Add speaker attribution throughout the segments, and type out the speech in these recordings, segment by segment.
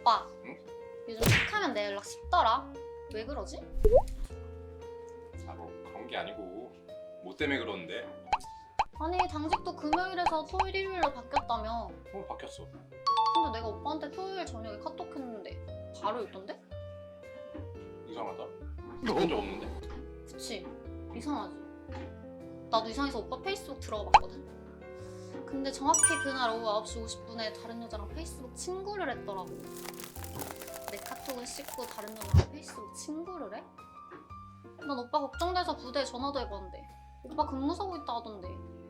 Speaker 1: 오빠,
Speaker 2: 응?
Speaker 1: 요즘 툭하면 내 연락 쉽더라. 왜 그러지?
Speaker 2: 아, 뭐 그런 게 아니고 뭐 때문에 그러는데?
Speaker 1: 아니, 당직도 금요일에서 토요일, 일요일로 바뀌었다며.
Speaker 2: 바뀌었어.
Speaker 1: 근데 내가 오빠한테 토요일 저녁에 카톡 했는데 바로 있던데?
Speaker 2: 이상하다. 그런 적 없는데?
Speaker 1: 그치? 이상하지? 나도 이상해서 오빠 페이스북 들어가 봤거든? 근데 정확히 그날 오후 9시 50분에 다른 여자랑 페이스북 친구를 했더라고. 내 카톡을 씹고 다른 여자랑 페이스북 친구를 해? 난 오빠 걱정돼서 부대에 전화도 해봤는데 오빠 근무서고 있다 하던데.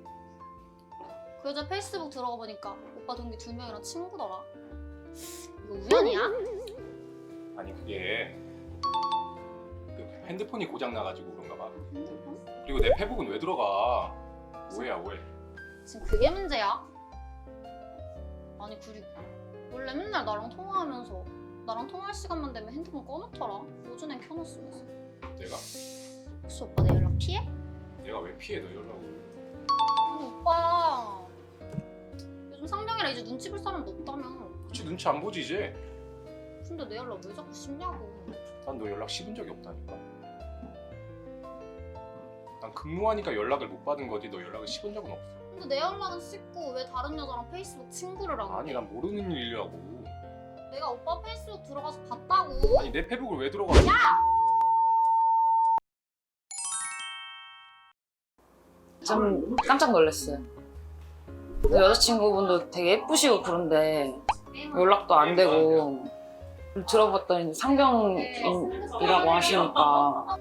Speaker 1: 그 여자 페이스북 들어가 보니까 오빠 동기 2명이랑 친구더라. 이거 우연이야?
Speaker 2: 아니 그게 그 핸드폰이 고장 나가지고 그런가 봐.
Speaker 1: 핸드폰?
Speaker 2: 그리고 내 페북은 왜 들어가? 오해야 오해.
Speaker 1: 지금 그게 문제야? 아니 그리고 원래 맨날 나랑 통화하면서 나랑 통화할 시간만 되면 핸드폰 꺼놓더라. 오전엔 켜놨으면서.
Speaker 2: 내가?
Speaker 1: 혹시 오빠 내 연락 피해?
Speaker 2: 내가 왜 피해 너 연락을?
Speaker 1: 아니 오빠 요즘 상병이라 이제 눈치 볼 사람도 없다며.
Speaker 2: 그치 눈치 안 보지 이제?
Speaker 1: 근데 내 연락 왜 자꾸 씹냐고.
Speaker 2: 난 너 연락 씹은 적이 없다니까. 난 근무하니까 연락을 못 받은 거지 너 연락을 씹은 적은 없어.
Speaker 1: 근데 내 연락은 씹고 왜 다른 여자랑 페이스북 친구를 하고.
Speaker 2: 아니 난 모르는 일이라고.
Speaker 1: 내가 오빠 페이스북 들어가서 봤다고.
Speaker 2: 아니 내 페북을 왜 들어가?
Speaker 3: 좀 깜짝 놀랐어요. 여자친구분도 되게 예쁘시고 그런데 연락도 안 되고 들어봤더니 상병이라고 하시니까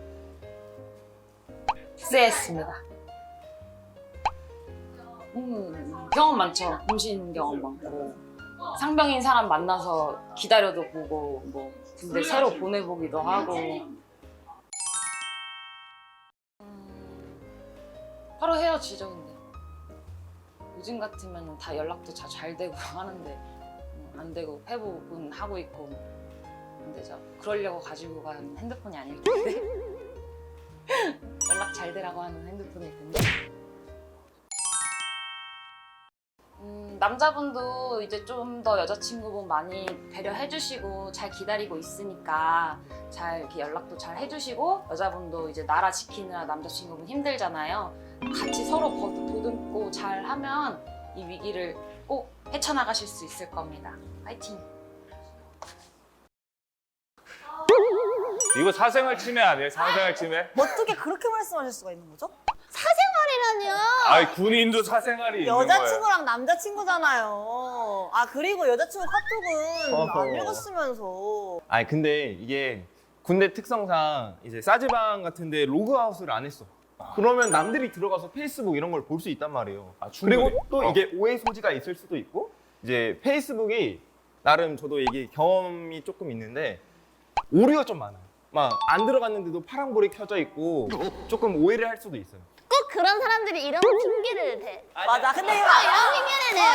Speaker 3: 쎄했습니다. 경험 많죠. 임신 경험 많고 상병인 사람 만나서 기다려도 보고 뭐 군대 새로 보내보기도 하고 바로 헤어지죠. 근데 요즘 같으면 다 연락도 잘 되고 하는데 안 되고 회복은 하고 있고 근데 저 그러려고 가지고 간 핸드폰이 아닐 텐데 연락 잘 되라고 하는 핸드폰일 텐데 남자분도 이제 좀 더 여자친구분 많이 배려해주시고 잘 기다리고 있으니까 잘 이렇게 연락도 잘 해주시고 여자분도 이제 나라 지키느라 남자친구분 힘들잖아요. 같이 서로 보듬고 잘 하면 이 위기를 꼭 헤쳐나가실 수 있을 겁니다. 파이팅!
Speaker 4: 이거 사생활 침해 아니에요? 사생활 침해?
Speaker 5: 어떻게 그렇게 말씀하실 수가 있는 거죠? 사생활이라뇨!
Speaker 4: 아니 군인도 사생활이 있는 거예요.
Speaker 5: 여자친구랑 남자친구잖아요. 아 그리고 여자친구 카톡은
Speaker 6: 어허.
Speaker 5: 안 읽었으면서.
Speaker 6: 아니 근데 이게 군대 특성상 이제 싸지방 같은데 로그아웃을 안 했어. 그러면 남들이 들어가서 페이스북 이런 걸 볼 수 있단 말이에요.
Speaker 4: 아, 충분히.
Speaker 6: 그리고 또 이게 오해 소지가 있을 수도 있고 이제 페이스북이 나름 저도 이게 경험이 조금 있는데 오류가 좀 많아요. 막 안 들어갔는데도 파란불이 켜져 있고 조금 오해를 할 수도 있어요.
Speaker 7: 꼭 그런 사람들이 이런 핑계를 대.
Speaker 5: 맞아. 근데 이거
Speaker 7: 이런 핑계를 대요.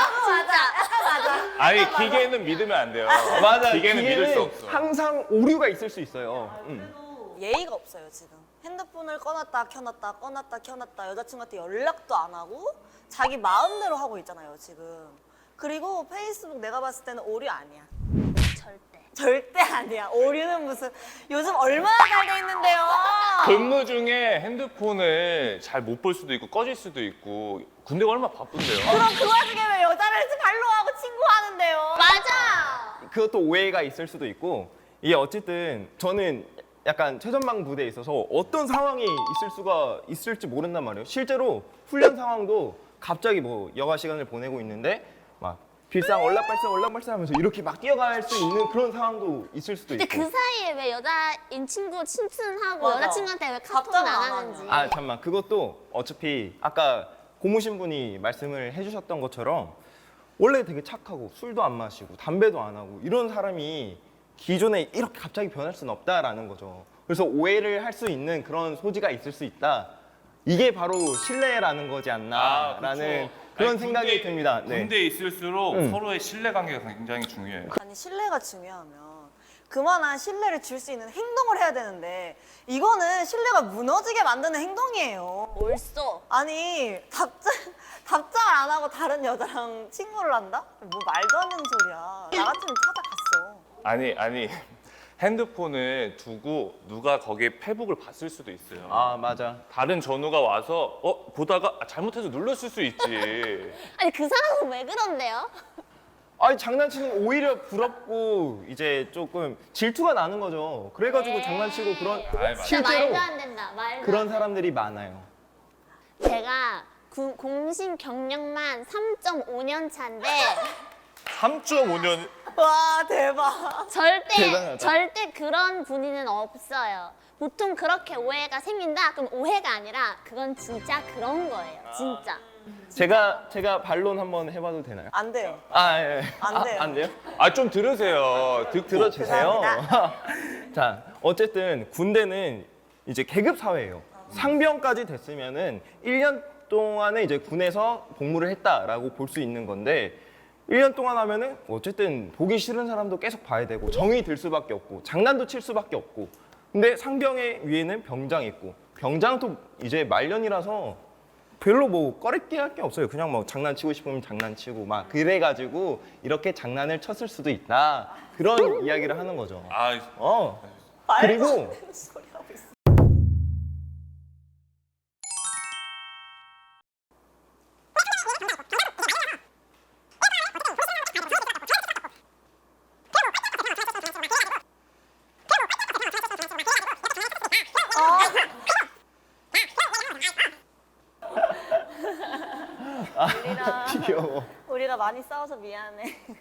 Speaker 7: 진짜.
Speaker 4: 아니 기계는 믿으면 안 돼요.
Speaker 6: 맞아.
Speaker 4: 기계는 믿을 수 없어.
Speaker 6: 항상 오류가 있을 수 있어요.
Speaker 5: 예의가 없어요 지금. 핸드폰을 꺼놨다 켜놨다 꺼놨다 켜놨다 여자친구한테 연락도 안 하고 자기 마음대로 하고 있잖아요 지금. 그리고 페이스북 내가 봤을 때는 오류 아니야. 절대 아니야. 오류는 무슨 요즘 얼마나 잘 돼 있는데요.
Speaker 4: 근무 중에 핸드폰을 잘 못 볼 수도 있고 꺼질 수도 있고 군대가 얼마나 바쁜데요.
Speaker 5: 그럼 그 와중에 왜 여자를 발로하고 친구하는데요?
Speaker 7: 맞아.
Speaker 6: 그것도 오해가 있을 수도 있고 이게 어쨌든 저는 약간 최전방 부대에 있어서 어떤 상황이 있을 수가 있을지 모른단 말이에요. 실제로 훈련 상황도 갑자기 뭐 여가 시간을 보내고 있는데 막 빌상 얼락발상 하면서 이렇게 막 뛰어갈 수 있는 그런 상황도 있을 수도
Speaker 7: 근데
Speaker 6: 있고.
Speaker 7: 그 사이에 왜 여자인 친구 친친하고
Speaker 5: 맞아.
Speaker 7: 여자친구한테 왜 카톡을
Speaker 5: 답장을
Speaker 7: 안
Speaker 5: 안
Speaker 7: 하는지.
Speaker 6: 아 잠깐만 그것도 어차피 아까 고무신 분이 말씀을 해주셨던 것처럼 원래 되게 착하고 술도 안 마시고 담배도 안 하고 이런 사람이 기존에 이렇게 갑자기 변할 수는 없다라는 거죠. 그래서 오해를 할 수 있는 그런 소지가 있을 수 있다. 이게 바로 신뢰라는 거지 않나라는 그런 생각이 듭니다. 네.
Speaker 4: 군대에 있을수록 서로의 신뢰관계가 굉장히 중요해요.
Speaker 5: 아니 신뢰가 중요하면 그만한 신뢰를 줄 수 있는 행동을 해야 되는데 이거는 신뢰가 무너지게 만드는 행동이에요.
Speaker 7: 옳소.
Speaker 5: 아니 답장을 안 하고 다른 여자랑 친구를 한다? 뭐 말도 안 되는 소리야. 나 같으면 찾아갔어.
Speaker 4: 아니 핸드폰을 두고 누가 거기에 페북을 봤을 수도 있어요.
Speaker 6: 아 맞아.
Speaker 4: 다른 전우가 와서 보다가 잘못해서 눌렀을 수 있지.
Speaker 7: 아니 그 사람은 왜 그런데요?
Speaker 6: 아니 장난치는 거 오히려 부럽고 이제 조금 질투가 나는 거죠. 그래가지고
Speaker 7: 네.
Speaker 6: 장난치고 그런
Speaker 4: 아이, 맞아.
Speaker 7: 진짜
Speaker 6: 실제로
Speaker 7: 말도 안 된다. 말도
Speaker 6: 그런
Speaker 7: 안
Speaker 6: 사람들이 많아요.
Speaker 7: 제가 공신 경력만 3.5년 차인데
Speaker 4: 3.5년
Speaker 5: 와 대박.
Speaker 6: 대단하다.
Speaker 7: 절대 그런 분위는 없어요. 보통 그렇게 오해가 생긴다? 그럼 오해가 아니라 그건 진짜 그런 거예요. 진짜.
Speaker 6: 제가 반론 한번 해봐도 되나요?
Speaker 5: 안 돼요.
Speaker 6: 아 예.
Speaker 5: 안 돼요.
Speaker 6: 안 돼요?
Speaker 4: 좀 들으세요. 듣고.
Speaker 6: 들어주세요. 자, 어쨌든 군대는 이제 계급 사회예요. 상병까지 됐으면은 1년 동안에 이제 군에서 복무를 했다라고 볼 수 있는 건데 1년 동안 하면은 어쨌든 보기 싫은 사람도 계속 봐야 되고 정이 들 수밖에 없고 장난도 칠 수밖에 없고 근데 상병의 위에는 병장이 있고 병장도 이제 말년이라서 별로 뭐 꺼리게 할 게 없어요. 그냥 뭐 장난치고 싶으면 장난치고 막 그래가지고 이렇게 장난을 쳤을 수도 있다. 그런 이야기를 하는 거죠. 그리고
Speaker 5: 소리 하고 있어.
Speaker 6: 귀여워.
Speaker 5: 우리가 많이 싸워서 미안해.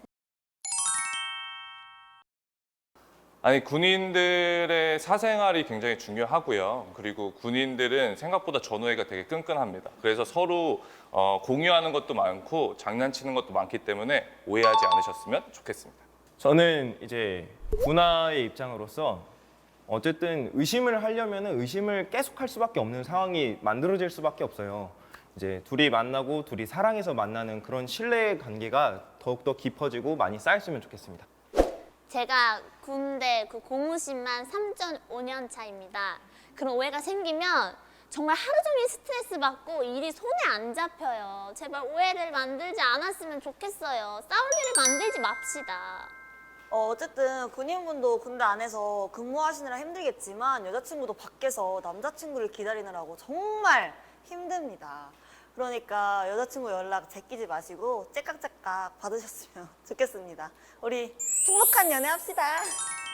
Speaker 4: 아니 군인들의 사생활이 굉장히 중요하고요. 그리고 군인들은 생각보다 전우애가 되게 끈끈합니다. 그래서 서로 공유하는 것도 많고 장난치는 것도 많기 때문에 오해하지 않으셨으면 좋겠습니다.
Speaker 6: 저는 이제 군화의 입장으로서 어쨌든 의심을 하려면 의심을 계속 할 수밖에 없는 상황이 만들어질 수밖에 없어요. 이제 둘이 만나고 둘이 사랑해서 만나는 그런 신뢰 관계가 더욱더 깊어지고 많이 쌓였으면 좋겠습니다.
Speaker 7: 제가 군대 그 고무신만 3.5년 차입니다. 그런 오해가 생기면 정말 하루 종일 스트레스 받고 일이 손에 안 잡혀요. 제발 오해를 만들지 않았으면 좋겠어요. 싸울 일을 만들지 맙시다.
Speaker 5: 어쨌든 군인분도 군대 안에서 근무하시느라 힘들겠지만 여자친구도 밖에서 남자친구를 기다리느라고 정말 힘듭니다. 그러니까 여자친구 연락 제끼지 마시고 째깍째깍 받으셨으면 좋겠습니다. 우리 행복한 연애 합시다.